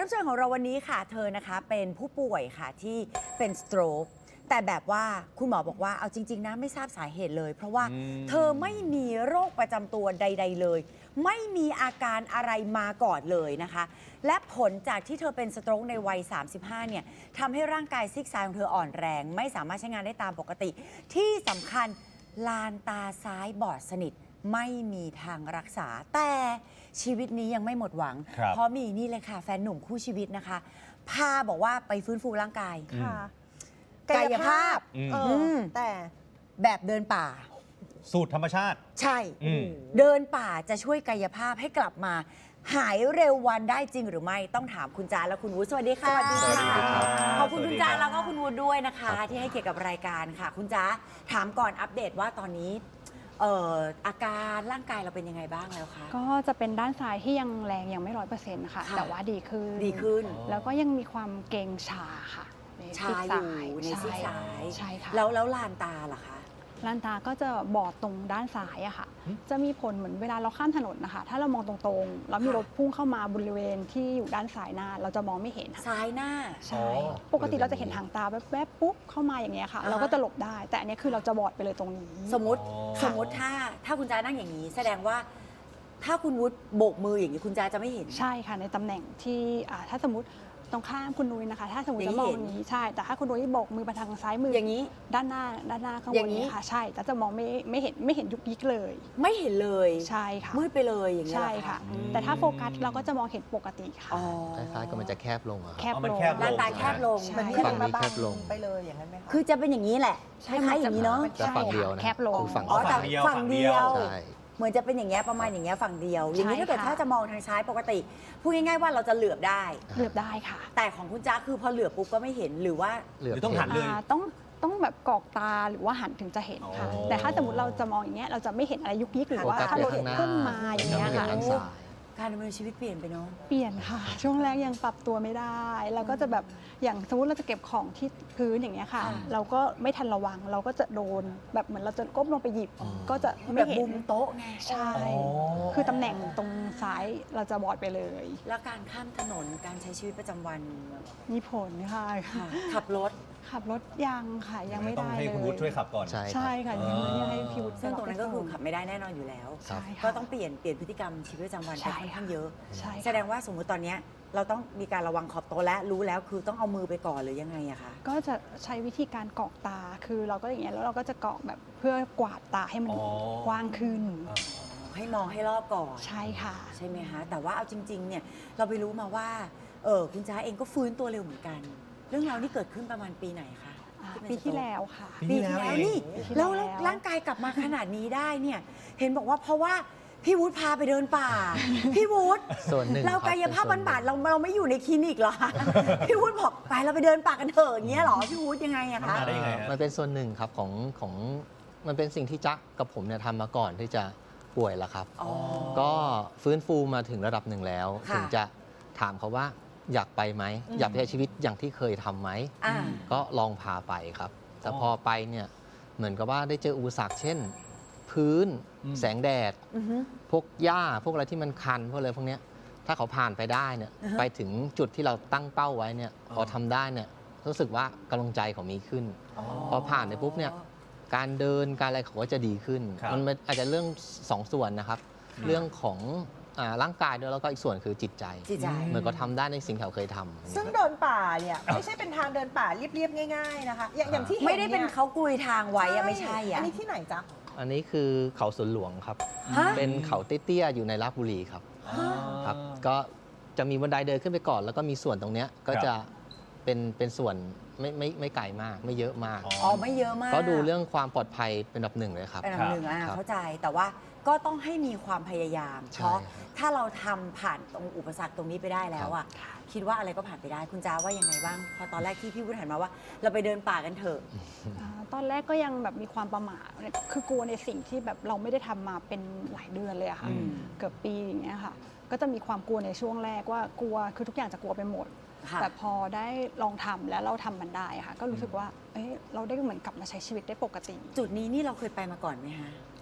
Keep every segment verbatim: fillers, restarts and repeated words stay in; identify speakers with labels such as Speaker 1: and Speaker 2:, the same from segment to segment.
Speaker 1: รับเชิญของเราวันนี้ค่ะเธอนะคะเป็นผู้ป่วยค่ะที่เป็นสโตรกแต่แบบว่าคุณหมอบอกว่าเอาจริงๆนะไม่ทราบสาเหตุเลย เพราะว่าเธอไม่มีโรคประจำตัวใดๆเลยไม่มีอาการอะไรมาก่อนเลยนะคะและผลจากที่เธอเป็นสโตรกในวัยสามสิบห้าเนี่ยทำให้ร่างกายซีกซ้ายของเธออ่อนแรงไม่สามารถใช้งานได้ตามปกติที่สำคัญลานตาซ้ายบอดสนิทไม่มีทางรักษาแต่ชีวิตนี้ยังไม่หมดหวังเพราะมีนี่เลยค่ะแฟนหนุ่มคู่ชีวิตนะคะพาบอกว่าไปฟื้นฟูร่างกาย
Speaker 2: ค่ะ
Speaker 1: กายภาพ
Speaker 2: เออแต่
Speaker 1: แบบเดินป่า
Speaker 3: สูตรธรรมชาติ
Speaker 1: ใช่เดินป่าจะช่วยกายภาพให้กลับมาหายเร็ววันได้จริงหรือไม่ต้องถามคุณจาและคุณวุฒิสวัสดีค่ะ
Speaker 2: สวัสดีค่ะ
Speaker 1: ขอบคุณคุณจาแล้วก็คุณวุฒิด้วยนะคะที่ให้เกียรติกับรายการค่ะคุณจาถามก่อนอัปเดตว่าตอนนี้เอ่ออาการร่างกายเราเป็นยังไงบ้างแล้วคะ
Speaker 4: ก็จะเป็นด้านซ้ายที่ยังแรงยังไม่ร้อยเปอร์เซ็นต์ค่ะแต่ว่าดีขึ้น
Speaker 1: ดีขึ้น
Speaker 4: แล้วก็ยังมีความเกร็งชาค่ะ
Speaker 1: ชาอยู่ในซีกซ้าย
Speaker 4: ใช่ค่ะ
Speaker 1: แล้วแล้วลานตาล่ะคะ
Speaker 4: ลานตาก็จะบอดตรงด้านซ้ายอะค่ะจะมีผลเหมือนเวลาเราข้ามถนนนะคะถ้าเรามองตรงๆแล้วมีรถพุ่งเข้ามาบริเวณที่อยู่ด้านซ้ายหน้าเราจะมองไม่เห็น
Speaker 1: ซ้ายหน้า
Speaker 4: ใช่ปกติเราจะเห็นหางตาแวบๆปุ๊บเข้ามาอย่างเงี้ยค่ะเราก็จะหลบได้แต่อันนี้คือเราจะบอดไปเลยตรงนี้
Speaker 1: สมมติสมมติถ้าถ้าคุณจานั่งอย่างนี้แสดงว่าถ้าคุณวุฒิโบกมืออย่างนี้คุณจาจะไม่เห็น
Speaker 4: ใช่ค่ะในตำแหน่งที่ถ้าสมมติตรงข้ามคุณนุ้ยนะคะถ้าสมมติจะมองอย่างนี้ใช่แต่ถ้าคุณนุ้ยโบกมือไปทางซ้ายมือ
Speaker 1: อย่างนี้
Speaker 4: ด้านหน้าด้านหน้าข้างบนนี้ค่ะใช่แต่จะมองไม่ไม่เห็นไม่เห็นยุกยิกเลย
Speaker 1: ไม่เห็นเลย
Speaker 4: ใช่ค่ะ
Speaker 1: มืดไปเลยอย่างนี้
Speaker 4: ใช่ค่ะแต่ถ้าโฟกัสเราก็จะมองเห็นปกติค่ะ
Speaker 5: คล้ายๆกับมันจะแคบลงอะ
Speaker 4: แคบลง
Speaker 1: ด้านตาแคบลง
Speaker 2: มัน
Speaker 5: ฝั่งนี้แคบลง
Speaker 2: ไปเลยอย่างนั้นไหมคะ
Speaker 1: คือจะเป็นอย่างนี้แหละคล้ายๆอย่างนี้เนาะ
Speaker 5: แต่ฝั่งเดียวนะ
Speaker 4: แคบลง
Speaker 1: อ๋อแต่ฝั่งเดียว
Speaker 5: ใช่
Speaker 1: เหมือนจะเป็นอย่างเงี้ยประมาณอย่างเงี้ยฝั่งเดียวอย่างนี้ถ้าเกิดถ้าจะมองทางซ้ายปกติพูดง่ายๆว่าเราจะเหลือบได้
Speaker 4: เหลือบได้ค่ะ
Speaker 1: แต่ของคุณจ๊ะคือพอเหลือบปุ๊บก็ไม่เห็นหรือว่า
Speaker 3: หรือต้องหันเลย
Speaker 4: ต้องต้องแบบกรอกตาหรือว่าหันถึงจะเห็นค่ะแต่ถ้าสมมติเราจะมองอย่างเงี้ยเราจะไม่เห็นอะไรยุกยิกหรือว่าถ้ารถพุ่งมาอย่างเงี้ยค่ะ
Speaker 1: การดำเนินชีวิตเปลี่ยนไปเนาะ
Speaker 4: เปลี่ยนค่ะช่วงแรกยังปรับตัวไม่ได้เราก็จะแบบอย่างสมมติเราจะเก็บของที่พื้นอย่างเงี้ยค่ะเราก็ไม่ทันระวังเราก็จะโดนแบบเหมือนเราจะก้มลงไปหยิบก็จะไม่เห็น
Speaker 1: บุมโต๊ะไง
Speaker 4: ใช่คือตำแหน่งตรงซ้ายเราจะบอดไปเลย
Speaker 1: แล้วการข้ามถนนการใช้ชีวิตประจำวัน
Speaker 4: มีผลค่ะ
Speaker 1: ขับรถ
Speaker 4: ขับรถยังค่ะยังไม่ได้เลยต้อง
Speaker 3: ให้คุณวุฒิช่วยขับก่อน
Speaker 4: ใช่ค่ะยังให้พี่วุฒิ
Speaker 1: ซึ่งตรงนั้นก็คือขับไม่ได้แน่นอนอยู่แล้วก็ต้องเปลี่ยนเปลี่ยนพฤติกรรมชีวิตประจำวันไปค่อนข้างเยอะแสดงว่าสมมุติตอนนี้เราต้องมีการระวังขอบโต๊ะและรู้แล้วคือต้องเอามือไปก่อนหรือยังไงอะคะ
Speaker 4: ก็จะใช้วิธีการกรอกตาคือเราก็อย่างเงี้ยแล้วเราก็จะกรอกแบบเพื่อกวาดตาให้มันกว้างขึ้น
Speaker 1: ให้มองให้รอบก่อน
Speaker 4: ใช่ค่ะ
Speaker 1: ใช่ไหมคะแต่ว่าเอาจริงๆเนี่ยเราไปรู้มาว่าเออคุณจ้าเองก็ฟื้นตัวเร็วเหมือนกันเรื่องราวนี้เกิดขึ้นประมาณปีไหนคะ
Speaker 4: ปีที่แล้วค่ะ
Speaker 1: ปีที่แล้วนี่แล้วร่างกายกลับมาขนาดนี้ได้เนี่ยเห็นบอกว่าเพราะว่าพี่วุฒิพาไปเดินป่าพี่วุฒิเรากายภาพบำบัดเราเราไม่อยู่ในคลินิกหรอพี่วุฒิบอกไปเราไปเดินป่ากันเถอะอย่างเงี้ยหรอพี่วุฒิยังไงอะคะ
Speaker 5: มันเป็นส่วนหนึ่งครับของของมันเป็นสิ่งที่จ๊ะกับผมเนี่ยทำมาก่อนที่จะป่วยแล้วครับก็ฟื้นฟูมาถึงระดับหนึ่งแล้วถึงจะถามเขาว่าอยากไปไหมอยากใช้ชีวิตอย่างที่เคยทำไหมก็ลองพาไปครับแต่พอไปเนี่ยเหมือนกับว่าได้เจออุปสรรคเช่นพื้นแสงแดดพวกหญ้าพวกอะไรที่มันคันพวกอะไรพวกนี้ถ้าเขาผ่านไปได้เนี่ยไปถึงจุดที่เราตั้งเป้าไว้เนี่ยพอทำได้เนี่ยรู้สึกว่ากำลังใจเขามีขึ้นพอผ่านไปปุ๊บเนี่ยการเดินการอะไรเขาก็จะดีขึ้นมันอาจจะเรื่องสองส่วนนะครับเรื่องของร่างกายด้วยแล้วก็อีกส่วนคือจิตใจเหมือนก็ทำได้ในสิ่งที่เขาเคยทำ
Speaker 2: ซึ่งเดินป่าเนี่ยไม่ใช่เป็นทางเดินป่าเรียบๆง่ายๆนะคะอย่างที่
Speaker 1: ไม่ได้เป็นเขากุยทางไว้อะไม่ใช่อะ
Speaker 2: อันนี้ที่ไหนจ๊ะ
Speaker 5: อันนี้คือเขาสวนหลวงครับเป็นเขาเตี้ยๆอยู่ในราชบุรีครับครับก็จะมีบันไดเดินขึ้นไปก่อนแล้วก็มีส่วนตรงเนี้ยก็จะเป็นเป็นส่วนไม่ไม่ไม่ไกลมากไม่เยอะมาก
Speaker 1: อ๋อไม่เยอะมาก
Speaker 5: ก็ดูเรื่องความปลอดภัยเป็นอันดับหนึ่งเลยครับ
Speaker 1: เป็นอันดับหนึ่งอ่ะเข้าใจแต่ว่าก็ต้องให้มีความพยายามเพราะถ้าเราทำผ่านตรงอุปสรรคตรงนี้ไปได้แล้วอ่ะคิดว่าอะไรก็ผ่านไปได้คุณจ้าว่ายังไงบ้างพอตอนแรกที่พี่วุฒิหันมาว่าเราไปเดินป่ากันเถอะ
Speaker 4: ตอนแรกก็ยังแบบมีความประหม่าคือกลัวในสิ่งที่แบบเราไม่ได้ทำมาเป็นหลายเดือนเลยอะค่ะเกือบปีอย่างเงี้ยค่ะก็จะมีความกลัวในช่วงแรกว่ากลัวคือทุกอย่างจะกลัวไปหมดแต่พอได้ลองทำแล้วเราทำมันได้ค่ะก็รู้สึกว่าเอ้เราได้เหมือนกลับมาใช้ชีวิตได้ปกติ
Speaker 1: จุดนี้นี่เราเคยไปมาก่อนไหมคะ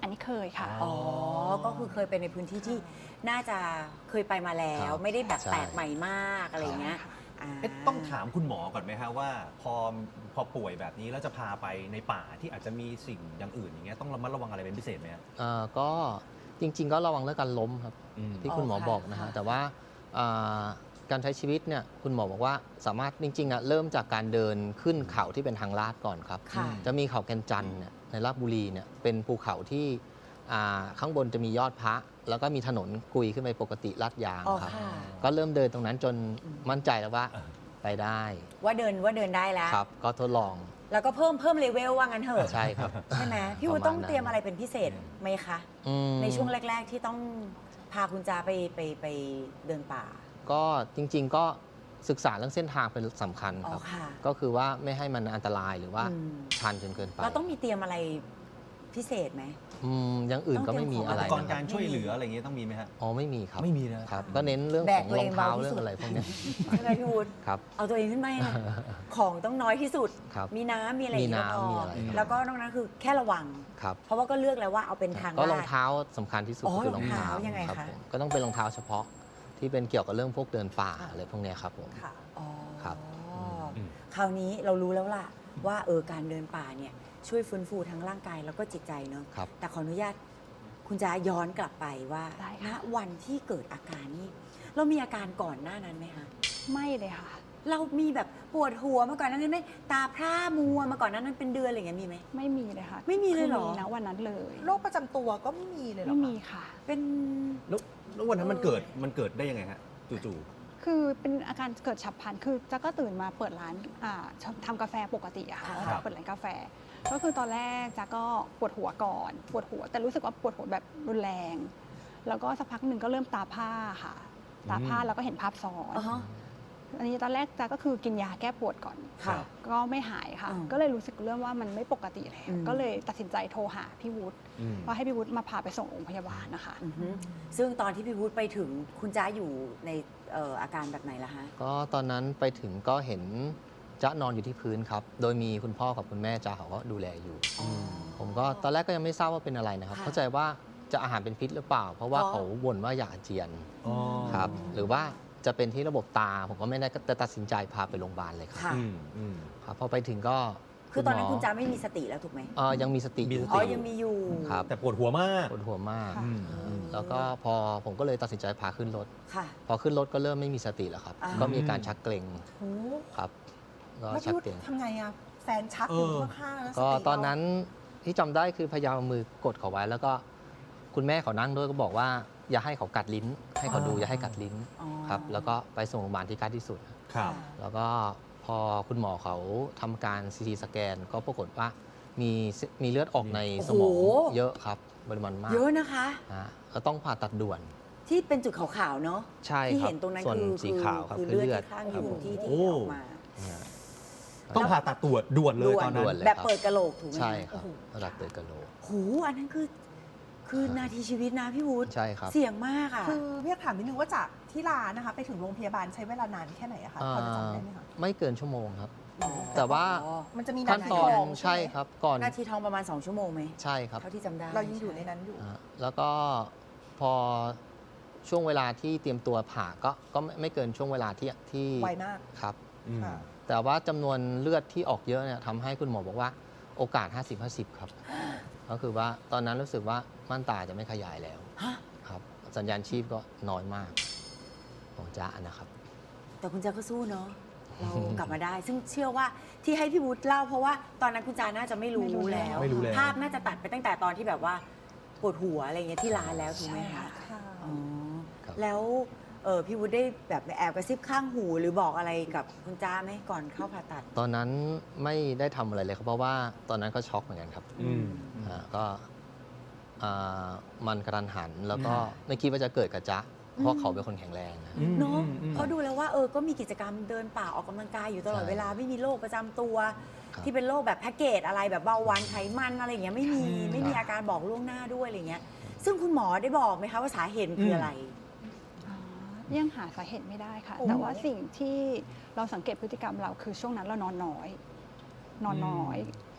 Speaker 4: อันนี้เคยค่ะ
Speaker 1: อ๋อ ก็คือเคยไปในพื้นที่ที่น่าจะเคยไปมาแล้ว
Speaker 5: ครับ
Speaker 1: ไม่ได้แบบ
Speaker 5: ใช่
Speaker 1: แปลกใหม่มากอะไรอย่างเงี้ยา
Speaker 3: เอ๊ะต้องถามคุณหมอก่อนไหมฮะว่าพอพอป่วยแบบนี้แล้วจะพาไปในป่าที่อาจจะมีสิ่งอย่างอื่นอย่างเงี้ยต้องระมัดระวังอะไรเป็นพิเศษไหมฮะ
Speaker 5: เอ่อก็จริง ๆ ก็ระวังเรื่องการล้มครับ
Speaker 3: อืม
Speaker 5: ที่คุณหมอ
Speaker 1: อ๋อค่ะ
Speaker 5: บอกนะฮะ
Speaker 1: ค่ะ
Speaker 5: แต่ว่าอ่าการใช้ชีวิตเนี่ยคุณหมอบอกว่าสามารถจริงๆอ่ะเริ่มจากการเดินขึ้นเขาที่เป็นทางลาดก่อนครับ
Speaker 1: ค่ะ
Speaker 5: จะมีเขาแก่นจันทร์เนี่ยในราชบุรีเนี่ยเป็นภูเขาที่อ่าข้างบนจะมียอดพระ แล้วก็มีถนนกุยขึ้นไปปกติลาดยาง
Speaker 1: อ๋อ
Speaker 5: ครับ
Speaker 1: ค่ะ
Speaker 5: ก็เริ่มเดินตรงนั้นจนมั่นใจแล้วว่าไปได้
Speaker 1: ว่าเดินว่าเดินได้แล้ว
Speaker 5: ครับ ก็ทดลอง
Speaker 1: แล้วก็เพิ่มเพิ่มเลเวลว่างั้นเถอะ
Speaker 5: ใช่ครับ
Speaker 1: ใช่ไหมพี่วู
Speaker 5: ประมาณ
Speaker 1: ต้อง
Speaker 5: นั้น
Speaker 1: เตรียมอะไรเป็นพิเศษไหมคะ
Speaker 5: อืม
Speaker 1: ในช่วงแรก ๆ ที่ต้องพาคุณจาไปไปไปเดินป่า
Speaker 5: ก็จริง ๆ ก็ศึกษาเรื่องเส้นทางเป็นสำคัญ
Speaker 1: อ๋
Speaker 5: ค
Speaker 1: อ
Speaker 5: รับ
Speaker 1: ค่ะ
Speaker 5: ก็คือว่าไม่ให้มันอันตรายหรือว่า
Speaker 1: อืม
Speaker 5: ชันจนเกินไป
Speaker 1: เราต้องมีเตรียมอะไรพิเศษไหม
Speaker 5: อืมอย่างอื่นก็ไม่มี
Speaker 1: ต้อง
Speaker 5: อะ
Speaker 1: เต
Speaker 5: ไร
Speaker 1: รีย
Speaker 3: ก่อน
Speaker 1: นะ
Speaker 3: การช่วยเหลืออะไรอย่างเงี้ยต้องมีไหมฮะ
Speaker 5: อ๋อไม่มีครับ
Speaker 3: ไม่มีนะ
Speaker 5: ครับ ก็เน้นเรื่อง
Speaker 1: แบ
Speaker 5: ข
Speaker 1: ก
Speaker 5: อง
Speaker 1: ตัว
Speaker 5: ร
Speaker 1: เอ
Speaker 5: อง ง
Speaker 1: เบา
Speaker 5: เท้า
Speaker 1: ที่
Speaker 5: เรื่อ
Speaker 1: สุ
Speaker 5: ง
Speaker 1: ด
Speaker 5: อะไรพวกเนี้ย
Speaker 1: ใช่ไหมพี่วูด
Speaker 5: ครับ
Speaker 1: เอาตัวเองขึ้นไปนะของต้องน้อยที่สุด
Speaker 5: ครับ
Speaker 1: มีน้ำมีอะไร
Speaker 5: มี
Speaker 1: อย่างเงี้ย
Speaker 5: น้ำ
Speaker 1: ก็พ
Speaker 5: มีอะไรครับ
Speaker 1: แล้วก็นอกนั้นคือแค่ระวัง
Speaker 5: ครับ
Speaker 1: เพราะว่าก็เลือกแล้วว่าเอาเป็นทาง
Speaker 5: ก็
Speaker 1: ลาด
Speaker 5: รองเท้าสำคัญที่สุด
Speaker 1: อ๋อ
Speaker 5: คือรองเท้าร
Speaker 1: องเท้ายังไง
Speaker 5: ครับ
Speaker 1: คะ
Speaker 5: ผมก็ต้องเป็นรองเท้าเฉพาะที่เป็นเกี่ยวกับเรื่องพวกเดินป่าอะไรพวกเนี้ยครับผม
Speaker 2: ค่ะ
Speaker 1: อ๋อ
Speaker 5: ครับ
Speaker 3: อืม
Speaker 1: คราวนี้เรารู้แล้วล่ะว่าเออการเดินป่าเนี่ยช่วยฟื้นฟูทั้งร่างกายแล้วก็จิตใจเนอะ
Speaker 5: ครับ
Speaker 1: แต่ขออนุญาตคุณจะย้อนกลับไปว่า
Speaker 4: ได้
Speaker 1: ณ
Speaker 4: ค่ะ
Speaker 1: วันที่เกิดอาการนี้ เรามีอาการก่อนหน้านั้นไหมคะ
Speaker 4: ไม่เลยค่ะ
Speaker 1: เรามีแบบปวดหัวมาก่อนหนานั้นไหมตาพร่ามัวมาก่อนหนานั้นเป็นเดือนอะไรอย่างเงี้ยมีไหม
Speaker 4: ไม่มีเลยค่ะ
Speaker 1: ไม่มีเลยเหรอ
Speaker 4: คือนะวันนั้นเลย
Speaker 2: โรคประจำตัวก็ไม่มีเลยเหรอ
Speaker 4: ไม่
Speaker 2: คะ
Speaker 4: มีค่ะ
Speaker 1: เป็น
Speaker 3: แล้วแล้ววันนั้นมันเกิดมันเกิดได้ยังไงฮะจู่
Speaker 4: คือเป็นอาการเกิดฉับพลัน คือจ๊ะก็ตื่นมาเปิดร้านอ่าทำกาแฟปกติอะค่ะ
Speaker 3: ครับ
Speaker 4: เปิดร้านกาแฟ ก็คือตอนแรกจ๊ะก็ปวดหัวก่อน ปวดหัว แต่รู้สึกว่าปวดหัวแบบรุนแรง แล้วก็สักพักหนึ่งก็เริ่มตาผ้าค่ะ ตาผ้าแล้วก็เห็นภาพซ้อน
Speaker 1: อ๋อ
Speaker 4: อันนี้ตอนแรกจ๊ะก็คือกินยาแก้ปวดก่อน
Speaker 1: ค่ะ
Speaker 4: ก็ไม่หายค่ะ
Speaker 1: อืม
Speaker 4: ก็เลยรู้สึกเรื่องว่ามันไม่ปกติแล้ว
Speaker 1: อืม
Speaker 4: ก็เลยตัดสินใจโทรหาพี่วุฒิ
Speaker 3: ๆอืม
Speaker 4: ว่าให้พี่วุฒิมาพาไปส่งโรงพยาบาลนะคะ
Speaker 1: อือฮึซึ่งตอนที่พี่วุฒิไปถึงคุณจ้าอยู่ในเอ่ออาการแบบไหนล่ะฮะ
Speaker 5: ก็ตอนนั้นไปถึงก็เห็นจ๊ะนอนอยู่ที่พื้นครับ โดยมีคุณพ่อกับคุณแม่จ๊ะเขาก็ดูแลอยู่ ผมก็ตอนแรกก็ยังไม่ทราบว่าเป็นอะไรนะครับ
Speaker 1: ค่ะ
Speaker 5: เข้าใจว่าจะอาหารเป็นพิษหรือเปล่า เพราะว่า
Speaker 1: อ๋อ
Speaker 5: เขาบ่นว่าอยากอาเจียน
Speaker 3: อ๋อ
Speaker 5: ครับ หรือว่าจะเป็นที่ระบบตา ผมก็ไม่ได้ก็ตัดสินใจพาไปโรงพยาบาลเลยครับ
Speaker 1: ค่ะ
Speaker 3: อืมอืม
Speaker 5: ครับพอไปถึงก็
Speaker 1: คือตอนนั้น
Speaker 5: หม
Speaker 1: คุณจ้าไม่มีสติแล้วถูกไหม
Speaker 5: เอ่อยังมีสติ
Speaker 3: มี
Speaker 5: อยู่
Speaker 3: สติ
Speaker 1: อ๋อยังมีอยู่
Speaker 5: ครับ
Speaker 3: แต่ปวดหัวมาก
Speaker 5: ปวดหัวมาก
Speaker 3: อืมอืม
Speaker 5: แล้วก็พอผมก็เลยตัดสินใจพาขึ้นรถ
Speaker 1: ค่ะ
Speaker 5: พอขึ้นรถก็เริ่มไม่มีสติแล้วครับ
Speaker 1: อ่า
Speaker 5: ก็มีอาการชักเกร็ง
Speaker 2: โอ้
Speaker 5: ครับก็
Speaker 2: แล้ว
Speaker 5: ชั
Speaker 2: พี่
Speaker 5: ก
Speaker 2: วุฒิ
Speaker 5: เกร็ง
Speaker 2: ทำไงอะแฟนชักอยู่
Speaker 3: เออ
Speaker 2: ข้างๆแล้ว
Speaker 5: ก็
Speaker 2: ส
Speaker 5: ตอนนั้นที่จำได้คือพยายามเอามือกดเขาไว้ แล้วก็คุณแม่เขานั่งด้วยก็บอกว่า อย่าให้เขากัดลิ้น ให้เขาดูอย่าให้กัดลิ้น
Speaker 1: อ๋อ
Speaker 5: ครับแล้วก็ไปส่งโรงพยาบาลที่ใกล้ที่สุด
Speaker 3: ครับ
Speaker 5: แล้วก็พอคุณหมอเขาทำการซีทีสแกน ก็ปรากฏว่ามีมีเลือดออกในสมอง
Speaker 1: โอ้โห
Speaker 5: เยอะครับปริมาณมาก
Speaker 1: เยอะนะคะ
Speaker 5: ฮะก็ต้องผ่าตัดด่วน
Speaker 1: ที่เป็นจุดขาวๆเนาะ
Speaker 5: ใช่
Speaker 1: ที่
Speaker 5: ครับ
Speaker 1: เห็นตรงนั้น
Speaker 5: ส่วน
Speaker 1: คือ
Speaker 5: สีขาวครับ
Speaker 1: คือ
Speaker 5: คือ
Speaker 1: เลื
Speaker 5: เลื
Speaker 1: อ
Speaker 5: อ
Speaker 1: ด
Speaker 5: ด
Speaker 1: ที่ข้างอ
Speaker 5: ครับ
Speaker 1: ยู่
Speaker 5: ผม
Speaker 1: ที่ที่
Speaker 3: โอ้
Speaker 1: ออกมา
Speaker 5: นะฮะ
Speaker 3: ต้องผ่าตัดตรวจด่วนเลย
Speaker 1: ด่วน
Speaker 3: ตอนนั้
Speaker 5: ด่วน
Speaker 3: น
Speaker 5: เลย
Speaker 1: แบบ
Speaker 5: ครับ
Speaker 1: เปิดกระโหลกถูกไหม
Speaker 5: ใช่ครับ
Speaker 1: โอ้โห
Speaker 5: ระดับเปิดกะโหลก
Speaker 1: โหอันนั้นคือ คือนาทีชีวิตนะพี่วุฒิ
Speaker 5: ใช่ครับ
Speaker 1: เสี่ยงมากอ่ะ
Speaker 2: คือพี่อยากถามนิดนึงว่าจากที่ร้านนะคะ ไปถึงโรงพยาบาลใช้เวลานานแค่ไหนอะคะพอจะจำได้ไหมคะ
Speaker 5: ไม่เกินชั่วโมงครับ
Speaker 1: อ๋อ
Speaker 5: แต่ว่า
Speaker 1: อ๋อ
Speaker 2: มันจะมี
Speaker 5: ขั้นตอน
Speaker 2: ทอง
Speaker 5: ใช่
Speaker 2: ไหม
Speaker 5: ครับก่อน
Speaker 1: นาทีทองประมาณ สอง ชั่วโมงไหม
Speaker 5: ใช่ครับ
Speaker 1: เท่าที่จำได้
Speaker 2: เรายังอยู่ในนั้นอยู่
Speaker 5: อ่าแล้วก็พอช่วงเวลาที่เตรียมตัวผ่าก็ก็ไม่ไม่เกินช่วงเวลาที่ที่
Speaker 2: ไวมาก
Speaker 5: ครับ
Speaker 3: อืม
Speaker 2: ค่ะ
Speaker 5: แต่ว่าจำนวนเลือดที่ออกเยอะเนี่ยทำให้คุณหมอบอกว่าโอกาส ห้าสิบ ห้าสิบ ครับ ก็คือว่าตอนนั้นรู้สึกว่าม่านตาจะไม่ขยายแล้ว
Speaker 1: ฮะ
Speaker 5: ครับ สัญญาณชีพก็น้อยมากของจ้านะครับ
Speaker 1: แต่คุณจาก็สู้เนาะ เรากลับมาได้ ซึ่งเชื่อว่าที่ให้พี่วุฒิเล่าเพราะว่าตอนนั้นคุณจาน่าจะไม่รู้
Speaker 4: ไม่รู้
Speaker 1: แล้ว
Speaker 3: ไม่รู้แล้ว
Speaker 1: ภาพน่าจะตัดไปตั้งแต่ตอนที่แบบว่าปวดหัวอะไรเงี้ยที่ร้านแล้วถูกไหมคะ
Speaker 2: ค่ะ
Speaker 1: อ๋อ
Speaker 5: ครับ
Speaker 1: แล้วเออพี่วุฒิได้แบบแอบกระซิบข้างหูหรือบอกอะไรกับคุณจ้าไหมก่อนเข้าผ่าตัด
Speaker 5: ตอนนั้นไม่ได้ทำอะไรเลยครับ เพราะว่าตอนนั้นก็ช็อกเหมือนกันครับ
Speaker 3: อืม
Speaker 5: อ่าก็อ่ามันกระทันหัน แล้วก็
Speaker 1: ค่ะ
Speaker 5: ไม่คิดว่าจะเกิดกับจ๊ะเพราะเขาเป็นคนแข็งแรงนะ
Speaker 3: อืม
Speaker 1: เนาะ
Speaker 3: อืม
Speaker 1: เพราะดูแล้วว่าเออก็มีกิจกรรมเดินป่าออกกำลังกายอยู่ตลอด
Speaker 5: ใช่
Speaker 1: เวลาไม่มีโรคประจำตัว
Speaker 5: ครับ
Speaker 1: ที่เป็นโรคแบบแพ็กเกจอะไรแบบเบาหวานไขมันอะไรอย่างเงี้ยไม่มี
Speaker 3: อืม
Speaker 1: ไม่มีอาการบอกล่วงหน้าด้วยอะไรเงี้ยซึ่งคุณหมอได้บอกไหมคะว่าสาเหตุคืออะไร
Speaker 4: อ๋อยังหาสาเหตุไม่ได้ค่ะ
Speaker 2: โอ้
Speaker 4: แต่ว่าสิ่งที่เราสังเกตพฤติกรรมเราคือช่วงนั้นเรานอนน้อย นอนน้อย พ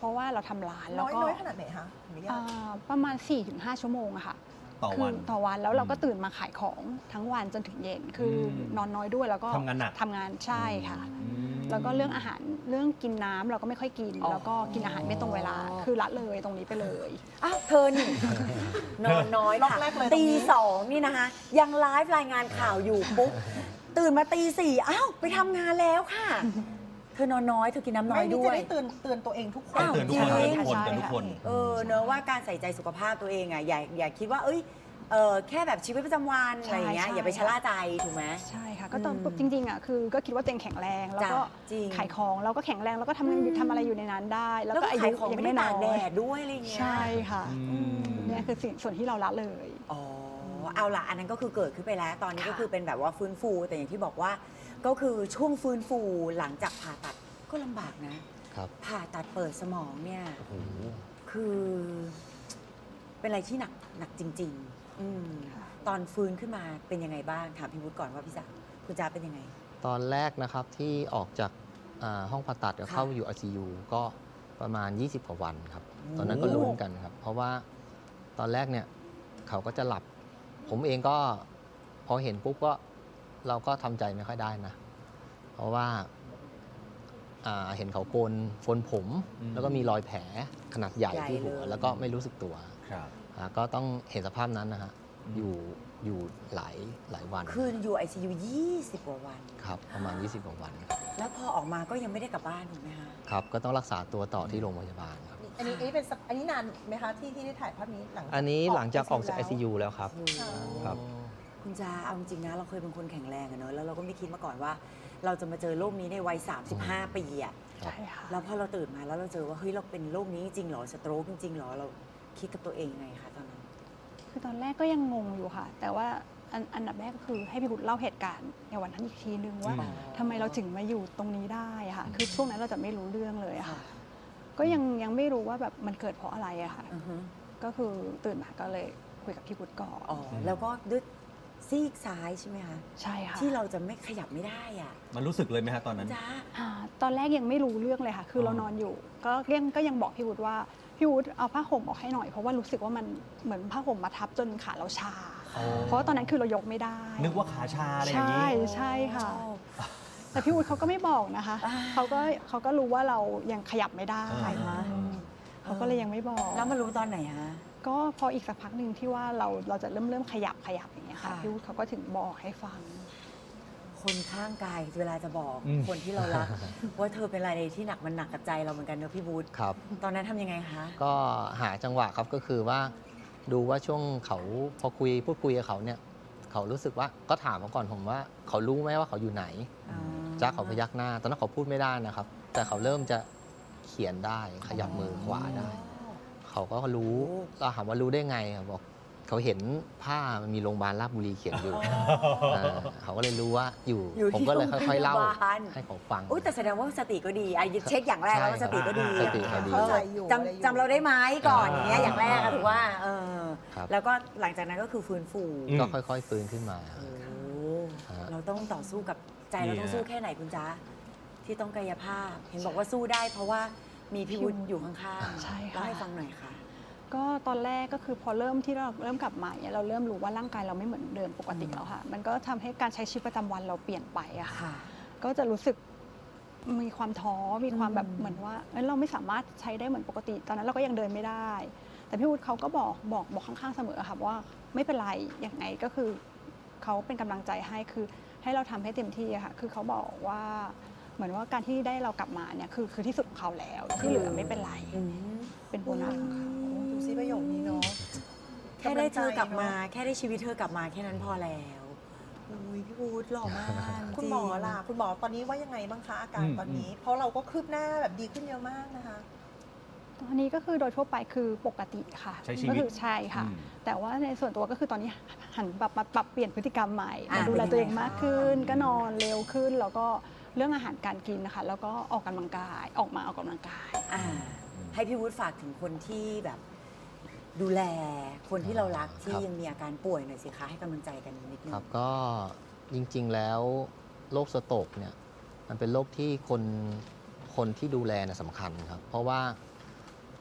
Speaker 4: ราะว่าเราทำร้านแล้
Speaker 2: น้
Speaker 4: ว
Speaker 2: อย
Speaker 4: ก็
Speaker 2: น้อยขนาดไหนคะขออนุญา
Speaker 4: อ่
Speaker 2: ต
Speaker 4: าประมาณ สี่ถึงห้า ชั่วโมงอะค่ะ
Speaker 3: ต่อ
Speaker 4: คื
Speaker 3: วัน
Speaker 4: ต่อวันแล้วเราก็
Speaker 3: อืม
Speaker 4: ตื่นมาขายของทั้งวันจนถึงเย็น คืออ
Speaker 3: ม
Speaker 4: นอนน้อยด้วยแล้วก็
Speaker 3: ทำงานหนัก
Speaker 4: ทำงานใช่ค่ะ
Speaker 3: อืม
Speaker 4: แล้วก็เรื่องอาหารเรื่องกินน้ำเราก็ไม่ค่อยกิน
Speaker 1: อ๋อ
Speaker 4: แล้วก็กินอาหารไม่ตรงเวลาคือละเลยตรงนี้ไปเลย
Speaker 1: อ้าวเธอนี่ นอนน้อย
Speaker 2: ล็อก
Speaker 1: ค่ะ
Speaker 2: แรกเลยตรงนี้
Speaker 1: ตีสองนี่นะคะ ยังไลฟ์รายงานข่าวอยู่ปุ๊บตื่นมาตีสี่อ้าวไปทำงานแล้วค่ะ เธอนอนน้อยเธอกินน้ำน้อ
Speaker 2: ไม่
Speaker 1: ย
Speaker 2: นี่
Speaker 1: ด้
Speaker 2: จะ
Speaker 1: วย
Speaker 2: ได้เตือนเตือนตัวเองทุกคน
Speaker 1: อ้าว
Speaker 3: เตือนทุกคน
Speaker 1: จริง
Speaker 3: เตือนทุกคน
Speaker 4: ใช่
Speaker 3: เตือนทุกคน
Speaker 1: เออเนอะว่าการใส่ใจสุขภาพตัวเองอ่ะอย่าอย่าคิดว่า เอ้ยเออแค่แบบชีวิตประจำวันอะไรอย่างเงี้ย
Speaker 4: ใช่
Speaker 1: อย่าไปชะล่าใจถูกไหม
Speaker 4: ใช่ค่ะก็ตอน
Speaker 1: อืม
Speaker 4: จริงๆอ่ะคือก็คิดว่าตัวเองแข็งแรงแล้วก็
Speaker 1: จ้ะจริง
Speaker 4: ขายของเราก็แข็งแรงแล้วก็ทำงานอยู่
Speaker 1: อืม
Speaker 4: ทำอะไรอยู่ในนั้นได้ แล้ว
Speaker 1: แล้ว
Speaker 4: ก็
Speaker 1: ก็
Speaker 4: อายุ
Speaker 1: ขายของ
Speaker 4: ยัง
Speaker 1: ไม่
Speaker 4: ไม่
Speaker 1: ได้
Speaker 4: น้
Speaker 1: ตากแด
Speaker 4: อย
Speaker 1: ดด้วยอะไรอย่างเงี้ย
Speaker 4: ใช่ค่ะ
Speaker 3: อืม
Speaker 4: เนี่ยคือสิ่งส่วนที่เราละเลย
Speaker 1: อ๋อเอาละอันนั้นก็คือเกิดขึ้นไปแล้ว ตอนนี้
Speaker 4: ค่ะ
Speaker 1: ก็คือเป็นแบบว่าฟื้นฟู แต่อย่างที่บอกว่า ก็คือช่วงฟื้นฟูหลังจากผ่าตัดก็ลำบากนะ
Speaker 5: ครับ
Speaker 1: ผ่าตัดเปิดสมองเนี่ย
Speaker 5: โอ้โห
Speaker 1: คือ เป็นอะไรที่หนักหนักจริง ๆ อืม
Speaker 4: ค่ะ
Speaker 1: ตอนฟื้นขึ้นมาเป็นยังไงบ้างถามพี่วุฒิก่อนว่าพี่จ๋าคุณจ๋าเป็นยังไง
Speaker 5: ตอนแรกนะครับที่ออกจากอ่าห้องผ่าตัดก็
Speaker 1: ค่ะ
Speaker 5: เข้าอยู่ ไอ ซี ยู ก็ประมาณ ยี่สิบ กว่าวันครับ
Speaker 1: โอ้
Speaker 5: ตอนนั้นก็ลุ้นกันครับ เพราะว่าตอนแรกเนี่ยเขาก็จะหลับ ผมเองก็พอเห็นปุ๊บก็เราก็ทำใจไม่ค่อยได้นะ เพราะว่าอ่าเห็นเขาโกนโฟนผม
Speaker 3: อืม
Speaker 5: แล้วก็มีรอยแผลขนาดใหญ่
Speaker 1: ใหญ่
Speaker 5: ที่หัว
Speaker 1: เลย
Speaker 5: แล้วก็ไม่รู้สึกตัว
Speaker 3: ครับ
Speaker 5: อ่าก็ต้องเห็นสภาพนั้นนะฮะ
Speaker 3: อืม
Speaker 5: อยู่อยู่หลายหลายวัน
Speaker 1: คืนอยู่ไอซียูยี่สิบกว่าวัน
Speaker 5: ครับประมาณ ยี่สิบ กว่าวันครับ
Speaker 1: แล้วพอออกมาก็ยังไม่ได้กลับบ้านถูกไหมคะ
Speaker 5: ครับ ก็ต้องรักษาตัวต่อที่โรงพยาบาลครับ
Speaker 2: อันนี้อันนี้เป็นสักอันนี้นานไหมคะที่ที่ได้ถ่ายภาพนี้หลัง
Speaker 5: อันนี้หลังจากออกจาก
Speaker 2: ไอ
Speaker 5: ไอ ซี ยู แล้วครับ
Speaker 1: โอ้โห
Speaker 5: ครับ
Speaker 1: คุณจาเอาจริงๆนะเราเคยเป็นคนแข็งแรงอะเนอะแล้วเราก็ไม่คิดมาก่อนว่า เราจะมาเจอโรคนี้ในวัย สามสิบห้า ปีอะ
Speaker 5: ครับ
Speaker 4: ใช่ค่ะ
Speaker 1: แล้วพอเราตื่นมาแล้วเราเจอว่าเฮ้ยเราเป็นโรคนี้จริงเหรอสโตรกจริงๆเหรอเราคิดกับตัวเองยังไงคะตอนนั้น
Speaker 4: คือตอนแรกก็ยังงงอยู่ค่ะ แต่ว่าอันอันดับแรกก็คือให้พี่พุทธเล่าเหตุการณ์ในวันนั้นอีกทีนึงว่า
Speaker 3: อืม
Speaker 4: ทำไมเราถึงมาอยู่ตรงนี้ได้อะค่ะ คือช่วงนั้นเราจะไม่รู้เรื่องเลยอะ
Speaker 1: ค่ะ
Speaker 4: ค่ะ ก็ยังยังไม่รู้ว่าแบบมันเกิดเพราะอะไรอะค่ะ
Speaker 1: อือฮึ
Speaker 4: ก็คือตื่นมาก็เลยคุยกับพี่พุทธก่อน
Speaker 1: อ๋อแล้วก็ด้วยซีกซ้ายใช่ไหมคะ
Speaker 4: ใช่ค่ะ
Speaker 1: ที่เราจะไม่ขยับไม่ได้อ่ะ
Speaker 3: มันรู้สึกเลยไหมฮะตอนนั้น
Speaker 1: จ้า
Speaker 4: อ่าตอนแรกยังไม่รู้เรื่องเลยค่ะ คือ
Speaker 3: อ๋อ
Speaker 4: เรานอนอยู่ ก็เรียงก็ยังบอกพี่วุฒิว่าพี่วุฒิเอาผ้าห่มออกให้หน่อย เพราะว่ารู้สึกว่ามันเหมือนผ้าห่มมาทับจนขาเราชา เพราะว่าตอนนั้นคือเรายกไม่ได้
Speaker 3: นึกว่าขาชาอะไรอย่าง
Speaker 4: ใช่
Speaker 3: นี้
Speaker 4: ใช่ค่ะ แต่พี่วุฒิเขาก็ไม่บอกนะคะ
Speaker 1: อ่า
Speaker 4: เขาก็เขาก็รู้ว่าเรายังขยับไม่ได้
Speaker 3: อ่า
Speaker 4: อืมเขาก็เลยยังไม่บอก
Speaker 1: แล้วมารู้ตอนไหนฮะ
Speaker 4: ก็พออีกสักพักหนึ่งที่ว่าเราเราจะเริ่มเริ่มขยับขยับอย่างเงี้ยค่ะ
Speaker 1: ค่ะ
Speaker 4: พี่วุฒิเขาก็ถึงบอกให้ฟัง
Speaker 1: คนข้างกายเวลาจะบอก
Speaker 3: อืม
Speaker 1: คนที่เรารัก ว่าเธอเป็นอะไรที่หนักมันหนักกับใจเราเหมือนกันเนอะพี่บูธ
Speaker 5: ครับ
Speaker 1: ตอนนั้นทำยังไงคะ
Speaker 5: ก็หาจังหวะครับก็คือว่าดูว่าช่วงเขาพอคุยพูดคุยกับเขาเนี่ย เขารู้สึกว่าก็ถามเขาก่อนผมว่า เขารู้ไหมว่าเขาอยู่ไหน
Speaker 1: อ๋อ
Speaker 5: จ้าเขาพยักหน้า ตอนนั้นเขาพูดไม่ได้นะครับ แต่เขาเริ่มจะเขียนได้ขยับมือขวาได้ เขาก็รู้เราถามว่ารู้ได้ไงอะบอกเขาเห็นผ้ามันมีโรงพยาบาลราชบุรีเขียนอยู่าเขาก็เลยรู้ว่าอยู่
Speaker 1: อยู่
Speaker 5: ผม
Speaker 1: ที่
Speaker 5: ก็เลยค่อย ๆ เล่า
Speaker 1: โรงพยาบาล
Speaker 5: ให้เขาฟัง
Speaker 1: อุ้ยแต่แสดงว่าสติก็ดีไอ้เช็คอย่างแรกแล้วว่าสติก็ดี
Speaker 5: สติเขาดี
Speaker 1: เออ
Speaker 2: เข้าใจอยู่
Speaker 1: จ
Speaker 2: อะไรอยู่
Speaker 1: ำจำเราได้ไหมก่อนอย่างเงี้ย
Speaker 3: อ่า
Speaker 1: อย่างแรกอะถือว่าเออ
Speaker 5: ครับ
Speaker 1: แล้วก็หลังจากนั้นก็คือฟื้นฟู
Speaker 3: อืม
Speaker 5: ก็ค่อยๆฟื้นขึ้นมา
Speaker 1: โอ้
Speaker 5: ฮะ
Speaker 1: เราต้องต่อสู้กับใจเรา
Speaker 3: เนี่ย
Speaker 1: ต้องสู้แค่ไหนคุณจ๊ะที่ต้องกายภาพ เห็นบอกว่าสู้ได้ เพราะว่ามีพี่วุฒิอยู่ข้างๆ
Speaker 4: ใช่ค่ะ
Speaker 1: เล่าให้ฟังหน่อยค่ะ
Speaker 4: ก็ตอนแรกก็คือพอเริ่มที่เราเริ่มกลับมาเนี่ยเราเริ่มรู้ว่าร่างกายเราไม่เหมือนเดิมปกติแล้วค่ะ มันก็ทำให้การใช้ชีวิตประจำวันเราเปลี่ยนไปอะค่ะ
Speaker 1: ค่ะ
Speaker 4: ก็จะรู้สึกมีความท้อมีความแบบ
Speaker 1: อืม
Speaker 4: เหมือนว่าเอ้ยเราไม่สามารถใช้ได้เหมือนปกติ ตอนนั้นเราก็ยังเดินไม่ได้ แต่พี่วุฒิเขาก็บอกบอกบอกข้างๆเสมอค่ะว่าไม่เป็นไรยังไงก็คือเขาเป็นกำลังใจให้คือให้เราทำให้เต็มที่อะค่ะ คือเขาบอกว่าเหมือนว่าการที่ได้เรากลับมาเนี่ยคือคือที่สุดของเขาแล้ว ที่เหลือไม่เป็นไร
Speaker 1: อืม
Speaker 4: เป็นโบนัสของเขา
Speaker 2: ดูซิประโยคนี้เนาะ
Speaker 1: แค่ได้เธอกลับมา
Speaker 2: ำลังใจเนอะ
Speaker 1: แค่ได้ชีวิตเธอกลับมาแค่นั้นพอแล้วอุ้ยพี่วูดหล่อมาก
Speaker 2: คุณหมอล่ะคุณหมอตอนนี้ว่ายังไงบ้างคะอาการ
Speaker 3: อืม
Speaker 2: ตอนนี้ เพราะเราก็คืบหน้าแบบดีขึ้นเยอะมากนะคะ
Speaker 4: ตอนนี้ก็คือโดยทั่วไปคือปกติค่ะ
Speaker 3: ใช้ชีวิต
Speaker 4: ก็คือใช่ค่ะ
Speaker 3: อืม
Speaker 4: แต่ว่าในส่วนตัวก็คือตอนนี้หันปรับมาปรับเปลี่ยนพฤติกรรมใหม่
Speaker 1: อ่ะ
Speaker 4: มาดูแล
Speaker 1: เป็นยังไง
Speaker 4: ตัวเองมากขึ้น
Speaker 1: คะ
Speaker 4: ก็นอนเร็วขึ้น แล้วก็เรื่องอาหารการกินนะคะ แล้วก็ออกกำลังกายออกมาออกกำลังกาย
Speaker 1: อ่าให้พี่วูดฝากถึงคนที่แบบดูแลคนที่เรารักที่
Speaker 5: ครับ
Speaker 1: ยังมีอาการป่วยหน่อยสิคะให้กำลังใจกันนิดนึง
Speaker 5: ครับก็จริงๆแล้วโรคสโตรกเนี่ยมันเป็นโรคที่คนคนที่ดูแลนะสำคัญครับ เพราะว่า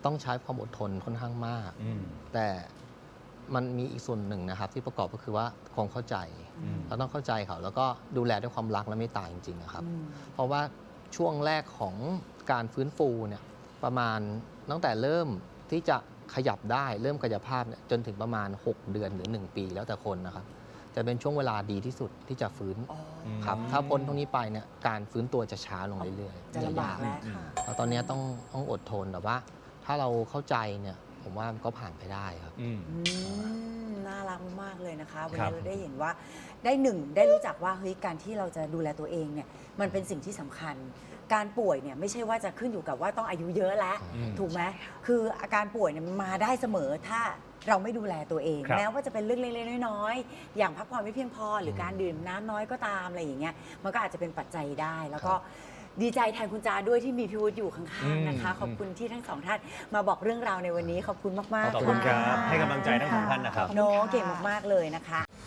Speaker 5: ต้องใช้ความอดทนค่อนข้างมาก
Speaker 3: อืม
Speaker 5: แต่มันมีอีกส่วนหนึ่งนะครับที่ประกอบก็คือว่าความเข้าใจ
Speaker 3: อืม
Speaker 5: เราต้องเข้าใจเขาแล้วก็ดูแลด้วยความรักและเมตตาจริงๆนะครับ
Speaker 1: อืม
Speaker 5: เพราะว่าช่วงแรกของการฟื้นฟูเนี่ยประมาณตั้งแต่เริ่มที่จะขยับได้เริ่มกายภาพเนี่ยจนถึงประมาณ หก เดือนหรือ หนึ่ง ปีแล้วแต่คนนะครับ จะเป็นช่วงเวลาดีที่สุดที่จะฟื้น
Speaker 1: อ๋อ
Speaker 5: ครับถ้าพ้นตรงนี้ไปเนี่ยการฟื้นตัวจะช้าลงเรื่อยๆ
Speaker 1: จะลำบาก
Speaker 5: ย
Speaker 1: แล้ว
Speaker 3: อืม
Speaker 5: แล้วตอนนี้ต้องต้องอดทนแต่ว่า ถ้าเราเข้าใจเนี่ยผมว่ามันก็ผ่านไปได้ครับ
Speaker 3: อืม
Speaker 1: อืมน่ารักมากๆเลยนะคะ วัน
Speaker 3: ครั
Speaker 1: นี้
Speaker 3: บ
Speaker 1: เราได้เห็นว่าได้หนึ่งได้รู้จักว่าเฮ้ยการที่เราจะดูแลตัวเองเนี่ยมันเป็นสิ่งที่สำคัญ การป่วยเนี่ยไม่ใช่ว่าจะขึ้นอยู่กับว่าต้องอายุเยอะแล้ว
Speaker 3: อืม
Speaker 1: ถูกไหมคืออาการป่วยเนี่ยมันมาได้เสมอถ้าเราไม่ดูแลตัวเอง
Speaker 3: ครับ
Speaker 1: แม้ว่าจะเป็นเรื่องเล็กๆน้อยๆอย่างพักผ่อนไม่เพียงพอหรือการดื่มน้ำน้อยก็ตามอะไรอย่างเงี้ยมันก็อาจจะเป็นปัจจัยได้ แล้วก็ดีใจแทนคุณจาด้วยที่มีพี่วุฒิอยู่ข้างๆนะคะ
Speaker 3: อืม
Speaker 1: ขอบคุณที่ทั้งสองท่านมาบอกเรื่องราวในวันนี้ขอบคุณมากๆ
Speaker 3: ขอบคุณครับ
Speaker 1: ะ
Speaker 3: ให้กำลังใจทั้งสองท่านนะครับ
Speaker 1: โนเก่งมาก ๆ เลยนะคะ